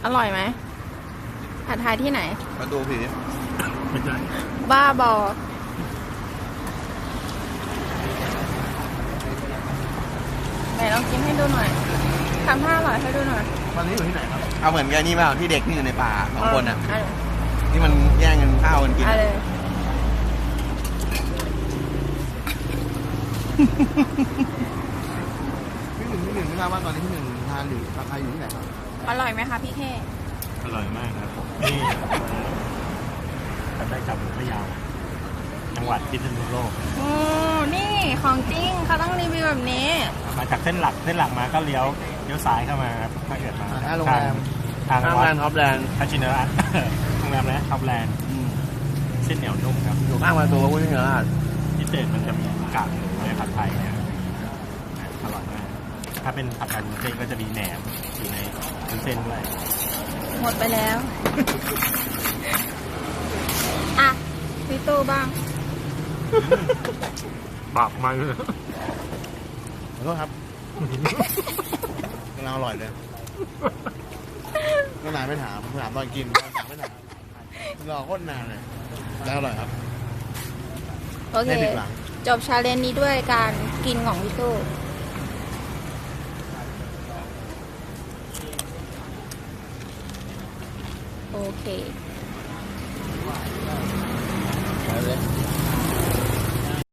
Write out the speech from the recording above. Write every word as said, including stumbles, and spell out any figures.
อร่อยไหมผัดไทยที่ไหนมาดูผีไม่ใช่บ้าบอไหนลองกินให้ดูหน่อยทำท่าอร่อยให้ดูหน่อยวันนี้อยู่ที่ไหนครับเอาเหมือนกันนี่เปล่าที่เด็กที่อยู่ในป่าสองคนอ่ะเาเลยที่มันแย่งกันข้าวกันกินเอาเลยพี่หนึ่งพี่หนึ่งไม่ทราบว่าตอนนี้พี่หนึ่งทานอยู่ผัดไทยอยู่ที่ไหนครับอร่อยไหมคะพี่เคอร่อยมากครับนี่ทำได้จากพะเยาจังหวัดพิษณุโลกโอ้นี่ของจริงเขาต้องรีวิวแบบนี้มาจากเส้นหลักเส้นหลักมาก็เลี้ยวเลี้ยวซ้ายเข้ามาครับถ้าเกิดมาหน้าโรงแรมทางข้างวัแลดนด์ท็อปแลนด์คาชินระโรงแรมนะท็อปแลนด์อืมเส้นเหนียวนุ่มครับอยู่ข้างประตูพระพุทธชินราชพิเศษมันจะมีกากหมูในผัดไทยเนี่ยอร่อยมากถ้าเป็นผัดไทยวุ้นเส้นก็จะมีแหนมอยู่ในวุ้นเส้นด้วยหมดไปแล้ว อ่ะพี่ตู้บ้างปากมันขอโทษครับกำลังอร่อยเลยก็นานไม่ถามถามตอนกินถามไม่ถามรอโคตรนานเลยแล้วอร่อยครับโอเคไม่ผิดหวังจบชาเลนจ์นี้ด้วยการกินของพี่ตู้ โอเค